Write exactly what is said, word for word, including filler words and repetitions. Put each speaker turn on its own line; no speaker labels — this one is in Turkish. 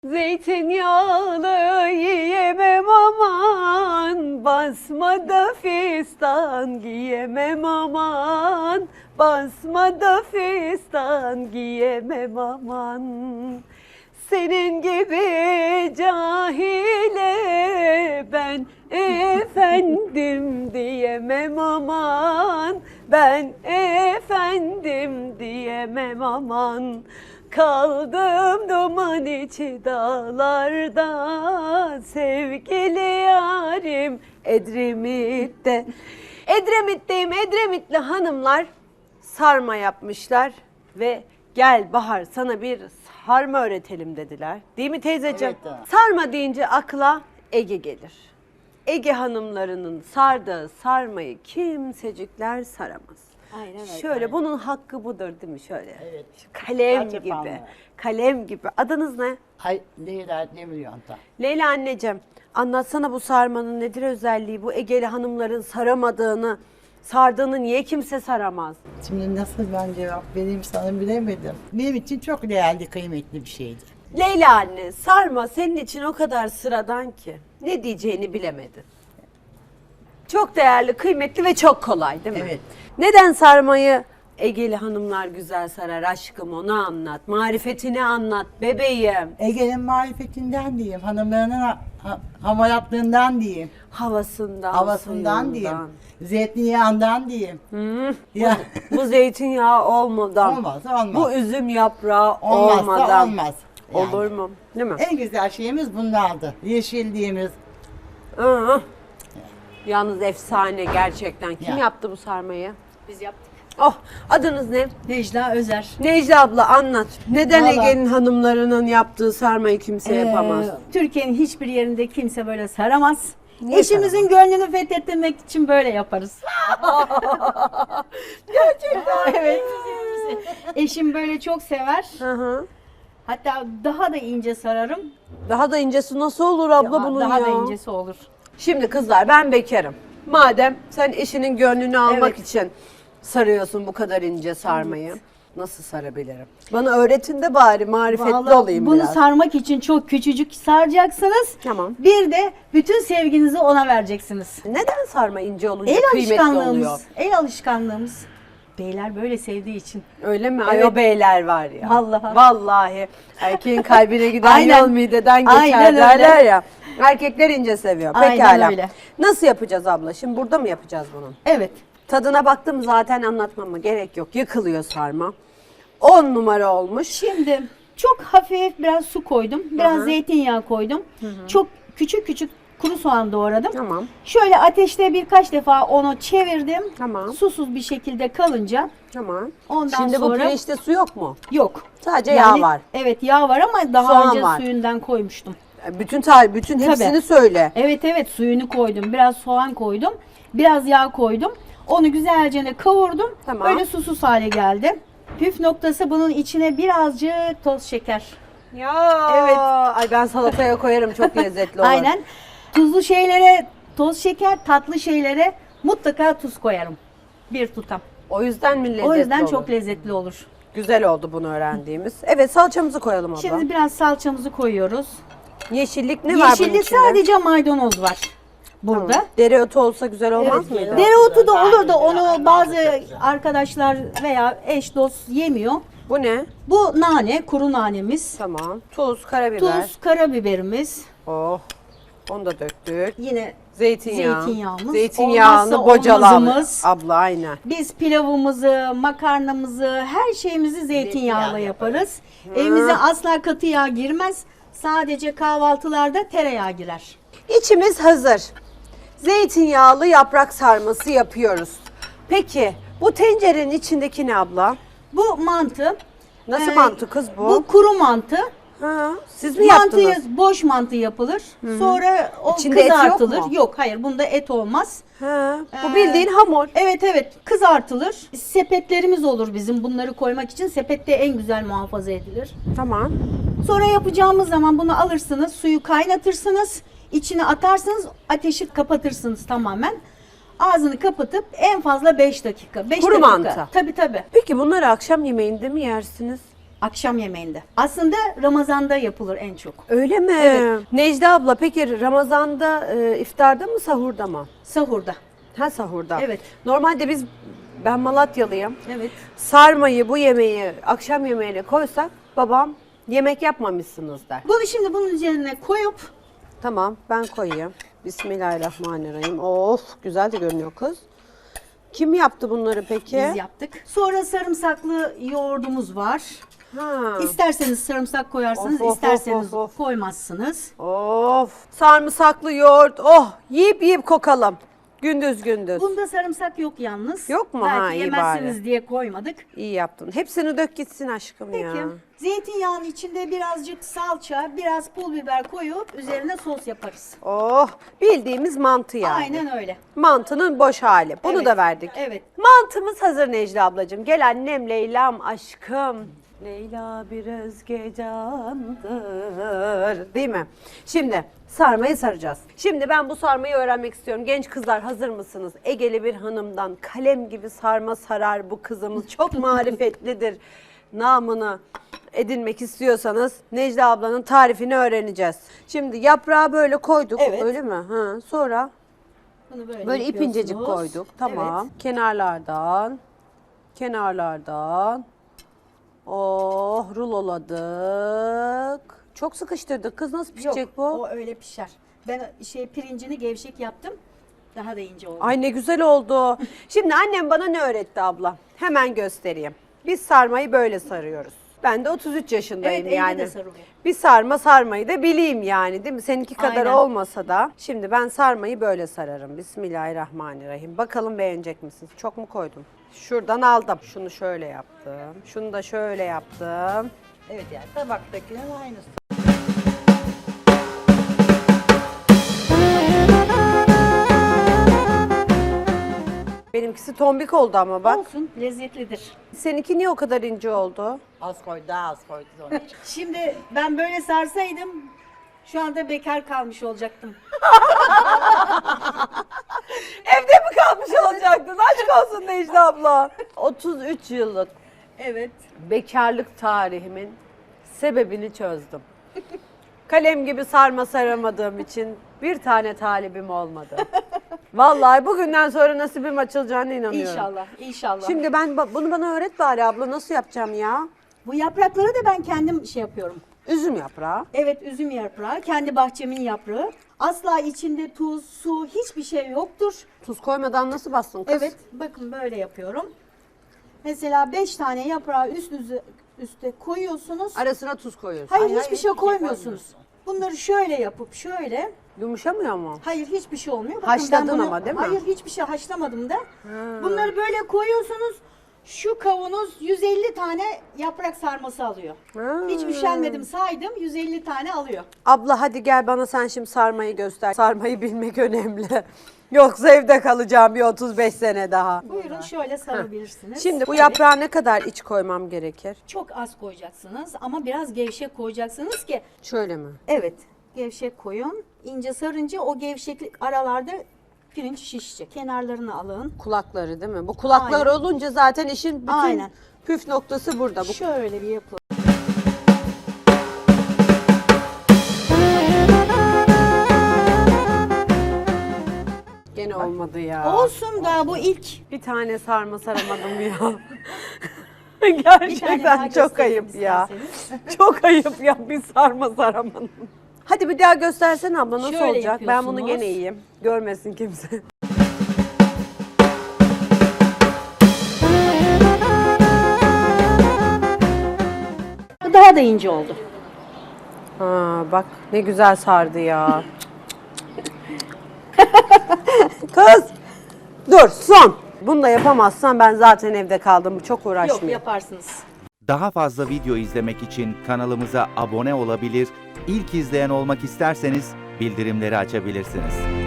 Zeytinyağlı yiyemem aman, basmada fistan giyemem aman, basmada fistan giyemem aman. Senin gibi cahile ben efendim diyemem aman, ben efendim diyemem aman. Kaldım duman içi dağlarda, sevgili yarim Edremit'te. Edremit'teyim, Edremitli hanımlar sarma yapmışlar ve gel Bahar sana bir sarma öğretelim dediler. Değil mi teyzeciğim?
Evet.
Sarma deyince akla Ege gelir. Ege hanımlarının sardığı sarmayı kimsecikler saramaz.
Aynen öyle.
Şöyle bunun hakkı budur değil mi şöyle?
Evet.
Kalem
Kaç
gibi.
yapanlar.
Kalem gibi. Adınız ne?
Ay Leyla ne milyon da.
Leyla anneciğim, anlatsana bu sarmanın nedir özelliği? Bu Egeli hanımların saramadığını, sardığını niye kimse saramaz?
Şimdi nasıl ben cevap vereyim sana bilemedim. Benim için çok değerli, kıymetli bir şeydi.
Leyla anne, sarma senin için o kadar sıradan ki ne diyeceğini bilemedin. Çok değerli, kıymetli ve çok kolay değil mi?
Evet.
Neden sarmayı Egeli hanımlar güzel sarar aşkım, onu anlat. Marifetini anlat bebeğim.
Ege'nin marifetinden diyeyim, hanımlarının ha, ha, hamaratlığından diyeyim,
Havasından,
havasından
suyundan.
diyeyim, zeytinyağından diyeyim.
Hı,
Ya,
bu zeytinyağı olmadan,
olmaz, olmaz.
bu üzüm yaprağı
Olmazsa
olmadan
olmaz. Yani.
olur mu? Değil mi?
En güzel şeyimiz bunlardı. Yeşilliğimiz.
Hı. Yalnız efsane gerçekten. Kim
Ya.
yaptı bu sarmayı?
Biz yaptık.
Oh, adınız ne?
Necla Özer.
Necla abla anlat. Neden
Vallahi-
Ege'nin hanımlarının yaptığı sarmayı kimse yapamaz?
Ee, Türkiye'nin hiçbir yerinde kimse böyle saramaz.
Niye
Eşimizin gönlünü fethetmek için böyle yaparız.
Gerçekten.
Evet. Eşim böyle çok sever.
Hı hı.
Hatta daha da ince sararım.
Daha da incesi nasıl olur abla
Daha-
bunun
daha
ya?
da incesi olur.
Şimdi kızlar ben bekarım. Madem sen eşinin gönlünü almak
Evet.
için sarıyorsun bu kadar ince sarmayı. Nasıl sarabilirim? Bana öğretin de bari marifetli
Vallahi
olayım
bunu
biraz.
sarmak için çok küçücük saracaksınız.
Tamam.
Bir de bütün sevginizi ona vereceksiniz.
Neden sarma ince olunca
El
kıymetli oluyor?
alışkanlığımız. El alışkanlığımız. Beyler böyle sevdiği için.
Öyle mi? Ay
Evet.
o beyler var ya.
Vallahi.
Vallahi. Erkeğin kalbine giden
Aynen.
yol mideden geçer
Aynen öyle.
derler ya. Erkekler ince seviyor.
Aynen
Pekala.
öyle.
Nasıl yapacağız abla? Şimdi burada mı yapacağız bunu?
Evet.
Tadına baktım zaten anlatmama gerek yok. Yıkılıyor sarma. on numara olmuş.
Şimdi çok hafif biraz su koydum. Biraz
Hı hı.
zeytinyağı koydum. Çok küçük küçük kuru soğan doğradım.
Tamam.
Şöyle ateşte birkaç defa onu çevirdim.
Tamam.
Susuz bir şekilde kalınca
Tamam.
ondan
Şimdi bu
sonra
pirinçte su yok mu?
yok.
Sadece
Yani,
yağ var.
Evet yağ var ama daha
Soğan
önce
var.
suyundan koymuştum.
Bütün tarih, bütün
Tabii.
hepsini söyle.
Evet evet suyunu koydum. Biraz soğan koydum. Biraz yağ koydum. Onu güzelce de kavurdum.
Tamam.
Öyle susuz hale geldi. Püf noktası bunun içine birazcık toz şeker.
Ya.
Evet.
Ay ben salataya koyarım çok lezzetli olur.
Aynen. Tuzlu şeylere toz şeker, tatlı şeylere mutlaka tuz koyarım. Bir tutam.
O yüzden mi lezzetli
O yüzden
olur?
çok lezzetli olur.
Güzel oldu bunu öğrendiğimiz. Evet salçamızı koyalım abla.
Şimdi biraz salçamızı koyuyoruz.
Yeşillik ne var bunun
Yeşillik
içinde?
sadece maydanoz var burada.
Tamam. Dereotu olsa güzel olmaz
Evet.
mıydı?
Dereotu da olur da onu bazı arkadaşlar veya eş dost yemiyor.
Bu ne?
Bu nane, kuru nanemiz.
Tamam. Tuz, karabiber.
Tuz, karabiberimiz.
Oh. Onu da döktük.
Yine
Zeytinyağı.
Zeytinyağımız.
Zeytinyağını
Olmazsa
bocalar.
olmazımız.
Abla aynen.
Biz pilavımızı, makarnamızı, her şeyimizi zeytinyağla yaparız. Evimize asla katı yağ girmez. Sadece kahvaltılarda tereyağı girer.
İçimiz hazır. Zeytinyağlı yaprak sarması yapıyoruz. Peki bu tencerenin içindeki ne abla?
Bu mantı.
Nasıl
Ee,
mantı kız bu?
Bu kuru mantı.
Ha, siz mi
Mantıyı
yaptınız?
boş mantı yapılır. Sonra o
İçinde et yok
kızartılır.
mu?
Yok, hayır bunda et olmaz.
Ha, bu
Ee,
bildiğin hamur.
Evet evet kızartılır. Sepetlerimiz olur bizim bunları koymak için. Sepette en güzel muhafaza edilir.
Tamam.
Sonra yapacağımız zaman bunu alırsınız, suyu kaynatırsınız, içine atarsınız, ateşi kapatırsınız tamamen. Ağzını kapatıp en fazla beş dakika. beş
Kuru
dakika.
mantı.
Tabii tabii.
Peki bunları akşam yemeğinde mi yersiniz?
Akşam yemeğinde. Aslında Ramazan'da yapılır en çok.
Öyle mi?
Evet.
Necla abla peki Ramazan'da e, iftarda mı sahurda mı?
Sahurda.
Ha sahurda.
Evet.
Normalde biz, ben Malatyalıyım.
Evet.
Sarmayı, bu yemeği akşam yemeğine koysak babam yemek yapmamışsınız der.
Bunu şimdi bunun üzerine koyup
Tamam, ben koyayım. Bismillahirrahmanirrahim. Of, güzel de görünüyor kız. Kim yaptı bunları peki?
biz yaptık. Sonra sarımsaklı yoğurdumuz var.
Ha.
İsterseniz sarımsak koyarsınız,
Of, of,
isterseniz
of, of.
koymazsınız.
Of, sarımsaklı yoğurt. Oh, yiyip yiyip kokalım. Gündüz gündüz.
Bunda sarımsak yok yalnız.
Yok mu?
Belki
Ha, iyi
yemezsiniz
bari.
diye koymadık.
İyi yaptın. Hepsini dök gitsin aşkım
Peki.
ya.
Zeytinyağının içinde birazcık salça, biraz pul biber koyup üzerine sos yaparız.
Oh, bildiğimiz mantı yani.
Aynen öyle.
Mantının boş hali. Bunu
Evet,
da verdik.
evet.
Mantımız hazır Necla ablacığım. Gel annem Leyla'm aşkım. Leyla bir özge candır. Değil mi? Şimdi sarmayı saracağız. Şimdi ben bu sarmayı öğrenmek istiyorum. Genç kızlar hazır mısınız? Egeli bir hanımdan kalem gibi sarma sarar bu kızımız. Çok marifetlidir. Namını edinmek istiyorsanız Necla ablanın tarifini öğreneceğiz. Şimdi yaprağı böyle koyduk.
Evet.
Öyle mi? Ha, sonra
Bunu böyle,
böyle ip incecik
yapıyorsunuz.
koyduk. Tamam.
Evet.
Kenarlardan. Kenarlardan. Oh, ruloladık. Çok sıkıştırdık. Kız nasıl pişecek
Yok,
bu?
o öyle pişer. Ben şey pirincini gevşek yaptım. Daha da ince oldu.
Ay ne güzel oldu. Şimdi annem bana ne öğretti abla? Hemen göstereyim. Biz sarmayı böyle sarıyoruz. Ben de otuz üç yaşındayım
Evet, elde
yani.
de sarılıyor.
Bir sarma sarmayı da bileyim yani değil mi? Seninki kadar
Aynen.
olmasa da. Şimdi ben sarmayı böyle sararım. Bismillahirrahmanirrahim. Bakalım beğenecek misiniz? Çok mu koydum? Şuradan aldım. Şunu şöyle yaptım. Şunu da şöyle yaptım.
Evet yani tabaktakilerin aynısı.
Benimkisi tombik oldu ama bak.
Olsun, lezzetlidir.
Seninki niye o kadar ince oldu?
Az koy, daha az koy onun için.
Şimdi ben böyle sarsaydım şu anda bekar kalmış olacaktım.
Evde mi kalmış olacaktın? Aşk olsun Necla abla. otuz üç yıllık
Evet.
bekarlık tarihimin sebebini çözdüm. Kalem gibi sarma saramadığım için bir tane talibim olmadı. Vallahi bugünden sonra nasibim açılacağına inanıyorum.
İnşallah, inşallah.
Şimdi ben ba- bunu bana öğret bari abla, nasıl yapacağım ya?
bu yaprakları da ben kendim şey yapıyorum.
Üzüm yaprağı.
Evet, üzüm yaprağı, kendi bahçemin yaprağı. Asla içinde tuz, su, hiçbir şey yoktur.
Tuz koymadan nasıl bastın kız?
Evet, bakın böyle yapıyorum. Mesela beş tane yaprağı üst üste, üste koyuyorsunuz.
Arasına tuz koyuyorsun.
Hayır,
Hayır,
hiçbir
hiçbir
şey
şey
koymuyorsunuz. Bunları şöyle yapıp şöyle.
Yumuşamıyor mu?
Hayır, hiçbir şey olmuyor. Bakın
Haşladın
ben bunu-
ama değil mi?
Hayır, hiçbir şey haşlamadım da. Bunları böyle koyuyorsunuz. Şu kavanoz yüz elli tane yaprak sarması alıyor.
Ha.
Hiç üşenmedim, saydım, yüz elli tane alıyor.
Abla hadi gel bana sen şimdi sarmayı göster. Sarmayı bilmek önemli. Yoksa evde kalacağım bir otuz beş sene daha.
Buyurun şöyle sarabilirsiniz.
Şimdi bu
Evet.
yaprağa ne kadar iç koymam gerekir?
Çok az koyacaksınız ama biraz gevşek koyacaksınız ki.
Şöyle mi?
Evet, gevşek koyun. İnce sarınca o gevşeklik aralarda pirinç şişecek. Kenarlarını alın.
Kulakları değil mi? Bu kulaklar
Aynen.
olunca zaten işin bütün
Aynen.
püf noktası burada. Bu
Şöyle bir yapın.
gene olmadı ya.
Olsun da bu ilk.
Bir tane sarma saramadım ya.
Bir tane daha
Gerçekten çok
göstereyim
ayıp ya.
isterseniz.
Çok ayıp ya, bir sarma saramadım. Hadi bir daha göstersene abla, nasıl
Şöyle
olacak? Ben bunu
yapıyorsunuz.
gene yiyeyim. Görmesin kimse.
Bu daha da ince oldu.
Ha, bak ne güzel sardı ya. Kız! Dur son. Bunu da yapamazsan ben zaten evde kaldım. Çok
Yok,
uğraşmayayım.
yaparsınız.
Daha fazla video izlemek için kanalımıza abone olabilir, ilk izleyen olmak isterseniz bildirimleri açabilirsiniz.